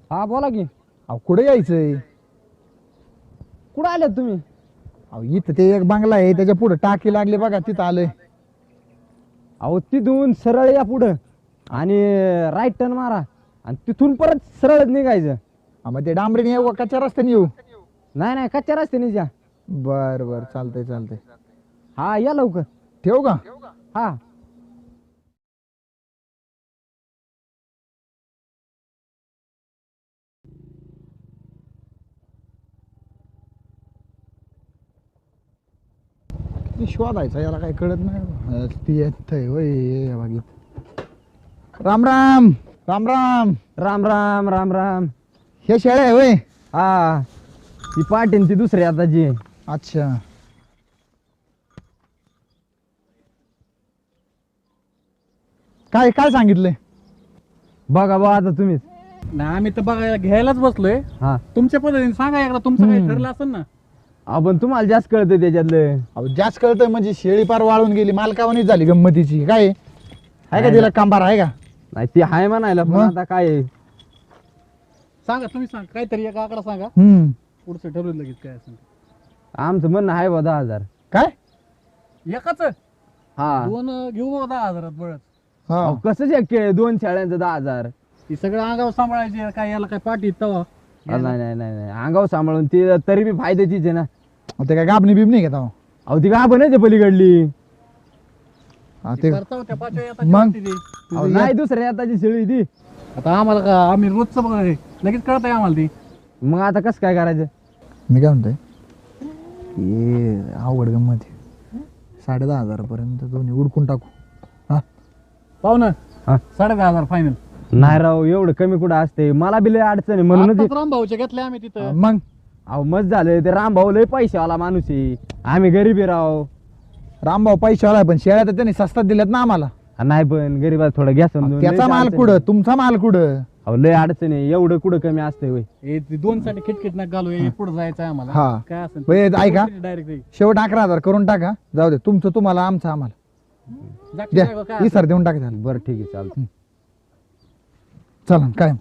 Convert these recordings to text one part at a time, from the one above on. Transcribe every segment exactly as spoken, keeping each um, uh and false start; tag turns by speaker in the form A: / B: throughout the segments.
A: हा बोला की.
B: अहो कुठे यायचंय?
A: कुठं आलेत तुम्ही?
B: अहो इथं ते एक बंगला आहे त्याच्या पुढे टाकी लागली बघा तिथं आलोय.
A: अहो तिथून सरळ या पुढं आणि राईट टर्न मारा आणि तिथून परत सरळच निघायचं.
B: हा, मग ते डांबरीने येऊ का कच्च्या रस्त्याने येऊ?
A: नाही नाही कच्च्या रस्त्याने जा.
B: बर बर चालतंय चालतंय.
A: हा या लवकर.
B: ठेवू का?
A: हा
B: किती शोधायचा याला काही कळत नाही. ती येतंय होय बघित. राम राम राम राम.
A: राम राम राम राम.
B: हे शेळ्या आहे होय?
A: हा ती पाटीन ती दुसरी आताची.
B: अच्छा. काय काय सांगितलंय?
A: बघा बा आता तुम्हीच.
C: नाही आम्ही तर बघायला घ्यायलाच बसलोय.
A: हा
C: तुमच्या पद्धतीने सांगा एकदा तुमचं काही
B: हम्म.
C: ठरलं असेल ना.
A: आपण तुम्हाला जास्त कळतं त्याच्यातलं.
B: अहो जास्त कळतंय म्हणजे शेळी पार वाळून गेली मालकावानीच झाली गंमतीची. काय आहे का
A: नाही
B: तिला कांबार आहे का?
A: नाही ती हाय म्हणायला पण
B: मग?
A: आता काय आहे?
C: सांगा तुम्ही सांगा काहीतरी एक आकडा सांगा
B: हम्म.
C: पुढचं ठरवलं लगेच काय असेल ते.
A: आमचं म्हणणं आहे बा दहा हजार.
B: काय?
C: एकाच
A: हा
C: दोन अं, घेऊ बघा दहा हजारात बळच.
B: हा
A: अहो, कसं शक्य आहे दोन शाळ्यांचं दहा हजार?
C: ती सगळं अंगावर सांभाळायचे काय याला काय पाठी तवा
A: अहो, नाही नाही नाही नाही अंगावर सांभाळून ती तरी बी फायद्याचीच आहे ना.
B: ते काय गाबणी बिबणी घेता?
A: अहो ती गाभण आहे पलीकडली.
B: हा ते
C: करता होत्या पाचव्या येतात
B: मग?
C: ती.
A: अहो, नाही दुसऱ्या आताची शेळी ती.
C: आता आम्हाला का आम्ही रोजचं बघा हे. लगेच कळत आहे आम्हाला ती.
A: मग आता कसं काय करायचं?
B: मी काय म्हणतोय हे अवघड गंमत आहे. साडे दहा हजारापर्यंत दोन्ही उडकून टाकू. हा
C: पाहू ना
A: हा.
C: साडे दहा हजार फायनल.
A: नाही राव एवढं कमी कुठं असते मला बी लय अडचण आहे म्हणूनच.
C: आत्ताच रामभाऊच्या घेतल्या आम्ही तिथं.
B: मग
A: अहो मस्त झालं ते रामभाऊ लय पैशावाला माणूस आहे. आम्ही गरीब आहे राव.
B: रामभाऊ पैशावाला आहे, पण शेळ्या तर त्यांनी स्वस्तात दिल्यात ना आम्हाला.
A: हा, नाही पण गरीबात थोडं घ्या समजून.
B: त्याचा
A: लयच
B: माल
A: अडचण
B: कुठं
A: आहे.
B: तुमचा माल कुठं?
A: अहो लय अडचण आहे एवढं कुठं कमी असतंय होय.
C: हे ते दोन साठी खिटखिट नका घालू हे पुढे जायचं आहे आम्हाला.
B: हा.
C: काय असेल
B: बरं, ऐका.
C: डायरेक्ट
B: शेवट अकरा हजार करून टाका. जाऊ दे तुमचं तुम्हाला आमचं आम्हाला द्या. ही सर देऊन टाका झालं.
A: बरं ठीक आहे चालतं.
B: चला काय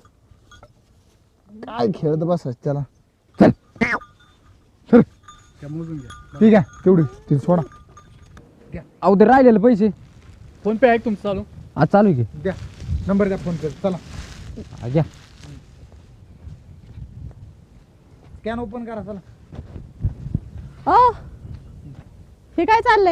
B: काय खेळत बस त्याला. चल चल.
C: मोजून घ्या.
B: ठीक आहे तेवढी ती सोडा.
A: अहो ते राहिलेले पैसे.
C: फोन पे आहे का तुमचं चालू?
A: आज चालू आहे की?
B: द्या नंबर द्या फोन कर. चला
A: हा, घ्या.
B: स्कॅन ओपन करा चला.
D: ओ हे काय चाललंय?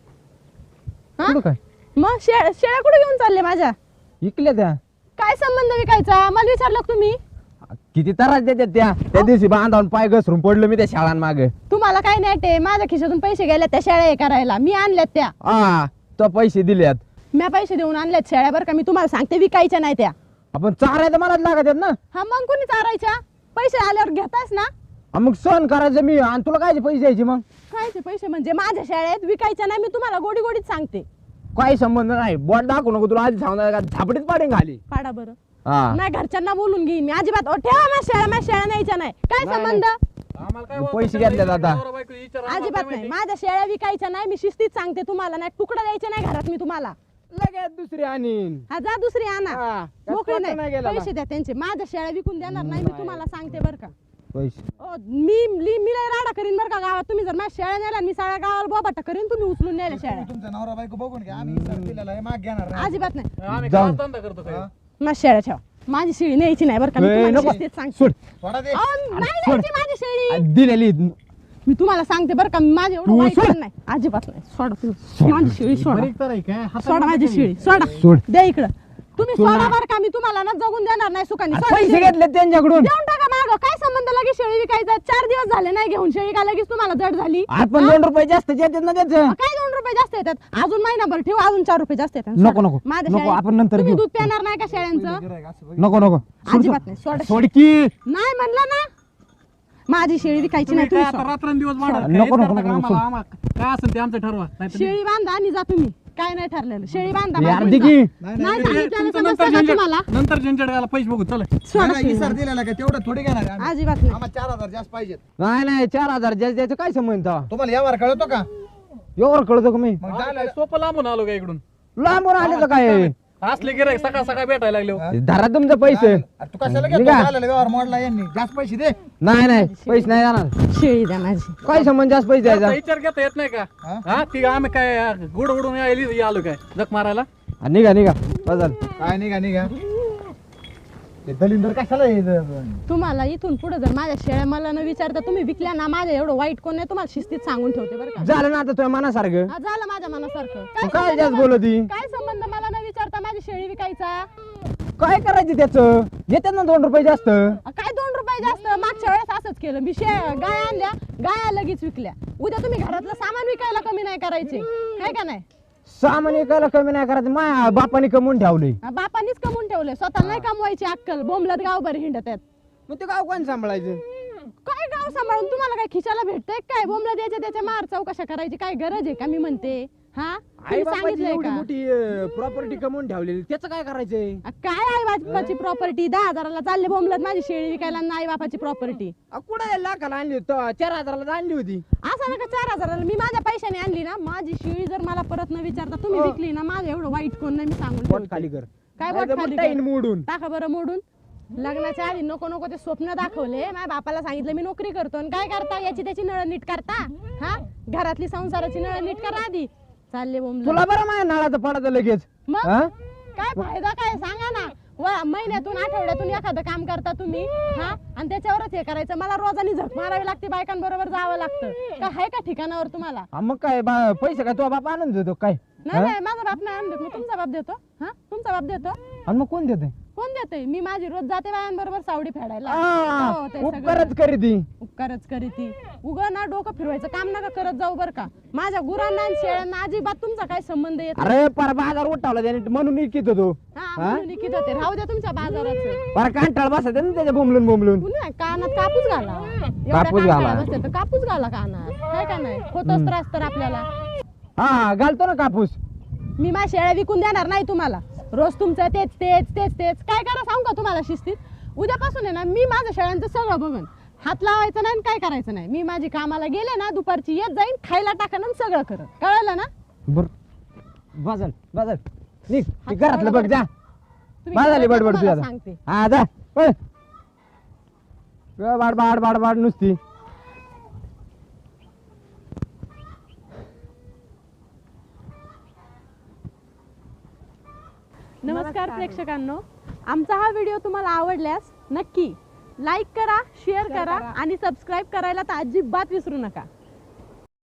D: हा?
A: कुठं काय
D: मग शे- शेळ्या कुठे घेऊन चालले माझ्या?
A: इकल्या त्या?
D: काय संबंध विकायचा? मला विचारलं का तुम्ही?
A: किती त्रास देतात त्या त्या दिवशी बांधावून पाय घसरून पडलो मी त्या शाळांमागे.
D: तुम्हाला काय नेट आहे? माझ्या खिशातून पैसे गेले त्या शेळ्या हे करायला. मी आणल्यात त्या.
A: हा तो पैसे दिल्यात.
D: मी पैसे देऊन आणल्यात शेळ्या बरं का. मी तुम्हाला सांगते विकायच्या नाही त्या.
A: आपण चारायला मलाच लागत आहेत ना.
D: हा मग कोणी चारायच्या? पैसे आल्यावर घेतास ना?
A: हा, मग सहन करायचं मी आणि तुला काय पैसे द्यायचे मग?
D: खायचे पैसे म्हणजे माझ्या शेळ्या आहेत विकायच्या नाही. मी तुम्हाला गोडी गोडीत सांगते.
A: काही संबंध नाही. बोट दाखवू नको तुला आधी सांगणार का झापडीत पाडेन खाली.
D: पाडा बरं.
A: हा
D: नाही घरच्यांना बोलून घेईन मी अजिबात. ओ, ठेवा माझ्या शेळ्या माझ्या शेळ्या न्यायच्या नाही. काय
A: नाही,
D: संबंध?
C: आम्हाला काय
A: पैसे घेतलेत आता.
D: अजिबात नाही. माझ्या शेळ्या विकायच्या नाही. मी शिस्तीत सांगते तुम्हाला. नाही तुकडा द्यायचे नाही घरात मी तुम्हाला.
A: लगेच दुसरी आणीन.
D: हा जा दुसरी आणा.
A: हा, काय
D: मोकळी
A: तोटा नाही
D: नाही.
A: गेला
D: पैसे द्या त्यांचे. माझ्या शेळ्या विकून देणार नाही मी
A: नाही.
D: तुम्हाला सांगते बरं का.
A: पैसे
D: ओ, मी मी मी लय राडा करीन बरं का गावात. तुम्ही जर माझ्या शेळ्या नेल्या मी सगळ्या गावाला बोबाटा करीन. तुम्ही उचलून नेल्या शेळ्या.
B: तुमचा नवरा बायको बघून घ्या. आम्ही सर दिलेला आहे माग घेणार नाही.
D: अजिबात नाही.
C: आम्ही
A: जाऊन.
C: काय धंदा करतो काय?
D: माझ्या शेळ्या ठेवा. माझी शेळी न्यायची नाही बरं का. मी
A: ए,
D: तुम्हाला
A: नको.
D: शिस्तीत सांगते.
A: सोड.
B: सोडा दे.
D: अहो, नाही
A: सोड.
D: न्यायची माझी शेळी.
A: आ, दिलेली.
D: मी तुम्हाला सांगते बरं का. माझे एवढं
A: तू
D: वाईट
A: सोड.
D: नाही. अजिबात नाही. सोडा तुम्ही. माझी शेळी सोडा.
C: बरीक तर आहे काय? हातात
D: सोडा माझी
C: नाही.
D: शेळी. सोडा.
A: सोड.
D: द्या इकडं. तुम्ही
A: सोड
D: सोडा
A: ना.
D: बरं का. मी तुम्हाला ना जगून देणार नाही सुखाने.
A: आ,
D: सोडा
A: पैसे
D: शेळी.
A: घेतले त्यांच्याकडून.
D: देऊन टाका मागं. काय संबंध लगेच शेळी विकायचा? चार दिवस झाले नाही घेऊन शेळी का लगेच तुम्हाला जड झाली?
A: आपण दोन रुपये जास्त येतात ना त्याचं.
D: काय दोन रुपये जास्त येतात? अजून महिनाभर ठेव अजून चार रुपये जास्त येतात.
A: नको, नको.
D: माझ्या
A: नको,
D: शेळ्या-
A: आपण नंतर
D: तुम्ही
A: घेऊ.
D: दूध पिणार नाही का शेळ्यांचं?
A: नको नको सोड,
D: अजिबात
A: सोड.
D: नाही. सोडा.
A: सोड की.
D: नाही म्हणलं ना. माझी शेळी विकायची
C: तुम्ही
D: नाही.
C: काय
D: तुम्ही
C: आता
D: सोडा.
C: रात्रंदिवस वाढत
A: नको,
C: काय?
A: नको,
C: करता
A: नको,
C: का
A: नको,
C: आम्हाला? आम्हाला काय असेल ते आमचं ठरवा. नाहीतर
D: शेळी बांधा आणि जा तुम्ही. काय नाही ठरलेलं. शेळी बांधा
A: हे
D: बांधून
A: अर्धी
D: जा.
A: की.
B: नाही,
D: नाही
B: नाही,
C: हे
D: सांगितलं
C: तुमचं
D: समजतं
C: नंतर
D: का
C: झंझट
D: तुम्हाला?
C: नंतर झंझट घाला पैसे बघू चला.
D: सोडा
B: नाही,
D: शेळी.
B: सर दिलेला का तेवढं थोडी घेणार आहे आम्ही.
D: अजिबात नाही.
B: आम्हाला चार हजार जास्त पाहिजेत.
A: नाही नाही चार हजार जास्त द्यायचं काय संबंध तेव्हा?
B: तुम्हाला यावर कळतो का?
A: एवढं कळतो का मी?
B: मग
C: आम्ही
B: झालं.
C: काय सोपं लांबून आलो का इकडून?
A: लांबून आले तर काय?
C: असले गिराईक सकाळ सकाळ भेटायला लागले हो.
A: धरा तुमचं पैसे
B: अरे तू कशाला
A: निघा.
B: घेतो आलेलं व्यवहार मोडला यांनी जास्त पैसे दे
A: नाही नाही पैसे नाही जाणार
D: शेळी द्या माझी.
A: काय संबंध जास्त पैसे द्यायचा
C: आता विचार घेता येत नाही का
B: हा?
C: हा ती आम्ही काय गुड उडून यायली आलो काय जग मारायला
A: हा, निघा निघा बदल
B: काय निघा निघा ते दलिंदर कशाला हे ज-
D: तुम्हाला इथून पुढे जर माझ्या शेळ्या मला न विचारता तुम्ही विकल्या ना, माझ्या एवढं वाईट कोण नाही, तुम्हाला शिस्तीत सांगून ठेवते बरं का.
A: झालं ना आता तुझ्या मनासारखं
D: हा, झालं माझ्या मनासारखं.
A: तू
D: काय
A: काय
D: संबंध
A: जास्त
D: मला-
A: बोलती
D: काय संबंध मला न विचारता माझी शेळी विकायचा?
A: काय करायचं त्याचं घेतात ना दोन रुपये जास्त
D: अ, काय दोन रुपये जास्त? मागच्या वेळेस असंच केलं मी. शे गाय आणल्या, गाया लगेच विकल्या. उद्या तुम्ही घरातलं सामान विकायला कमी नाही करायचे, काय का नाही?
A: सामान एकाला कमी नाही करायचं माझ्या बापाने कमवून ठेवले
D: हा, बापांनीच कमवून ठेवले, स्वतः नाही कमवायची अक्कल. बोंबलत गावभर हिंडत आहेत.
A: मग ते गाव कोण सांभाळायचं
D: काय गाव सांभाळून तुम्हाला काय खिशाला भेटतंय काय? बोंबलत याच्या त्याच्या मार चौकशा करायची काय गरज आहे का? मी म्हणते हा
A: आई
D: तुम्ही
A: बापाची
D: सांगितलंय
A: एवढी
D: का?
A: मोठी प्रॉपर्टी कमवून ठेवलेली त्याचं काय करायचंय
D: अ, काय आई बापाची प्रॉपर्टी? दहा हजाराला चालले बोंबलत माझी शेळी विकायला आणि आई बापाची प्रॉपर्टी.
A: अ, कुठं लाखाला आणली होती तो चार हजाराला आणली होती
D: असं नका चार हजाराला. मी माझ्या पैशाने आणली ना, माझी शेळी जर मला परत न विचारता तुम्ही
A: अ.
D: विकली ना, माझं एवढं वाईट कोण नाही, मी सांगून
A: पोट
D: ठेवते.
A: खाली कर
D: काय
A: नाहीतर
D: बोट
A: मग
D: खाली
A: टाईन
D: कर?
A: मोडून
D: टाका बरं मोडून. लग्नाच्या आधी नको नको ते स्वप्न दाखवले. माझ्या बापाला सांगितलं मी नोकरी करतो, आणि काय करता? याची त्याची नळ नीट करता. हा, घरातली संसाराची नळ नीट करा आधी. चालले बोंबलत.
A: तुला बरं माझ्या नाळाचं पडायचं लगेच
D: मग
A: हा?
D: काय फायदा काय सांगा ना? व महिन्यातून आठवड्यातून एखादं काम करता तुम्ही, हा, आणि त्याच्यावरच हे करायचं. मला रोजानी झक मारावी लागते, बायकांबरोबर जावं लागतं. काय आहे का ठिकाणावर तुम्हाला?
A: हा, मग काय बा- पैसे काय तुझा बाप आणून देतो काय
D: नाही
A: हा?
D: नाही, माझा बाप नाही आणून देत. मग तुमचा बाप देतो? हा, तुमचा बाप देतो?
A: आणि मग कोण देते
D: कोण देतोय? मी माझी रोज जाते बायांबरोबर सावडी फेडायला. हो, ते सगळं.
A: उपकारच करी ती
D: उपकारच करी ती. उगा ना डोकं फिरवायचं काम नका करत जाऊ बर का. माझ्या गुरांना आणि शेळ्यांना अजिबात तुमचा काय संबंध येत नाही.
A: अरे पर बाजार उठावला त्याने म्हणून इकित होतो
D: हा,
A: हा?
D: म्हणून इकित होते. राहू द्या तुमच्या बाजाराचं.
A: पर कांटाळ बसायचं ना त्याच्या बोंबलून बोंबलून
D: पुन्हा कानात कापूस घाला. एवढ्या
A: कापूस
D: कांटाळा
A: घाला.
D: बसते तर कापूस घाला कानात, काय का नाही? होतोच त्रास तर आपल्याला.
A: हा घालतो ना कापूस
D: मी माझ्या शेळ्या विकून देणार नाही तुम्हाला. रोज तुमचं तेच तेच तेच तेच काय करा सांगू का तुम्हाला शिस्तीत? उद्यापासून आहे ना, मी माझ्या शेळ्यांचं सगळं बघन. हात लावायचं नाही आणि काय करायचं नाही. मी माझी कामाला गेले ना, दुपारची येत जाईन, खायला टाकन आणि सगळं करत. कळलं ना?
A: बर बाजार बाजार निघ
D: हात
A: ते घरातलं बघ जा
D: तुम्ही
A: बाजारली
D: कळलं
A: बडबड
D: तुम्हाला
A: तुझ्या
D: सांगते.
A: हा जा पळ. ग बाड बाड बाड बाड नुसती
D: नमस्कार प्रेक्षकांनो, आमचा हा व्हिडिओ तुम्हाला आवडल्यास नक्की लाईक करा, शेअर करा आणि सबस्क्राईब करायला तर अजिबात विसरू नका.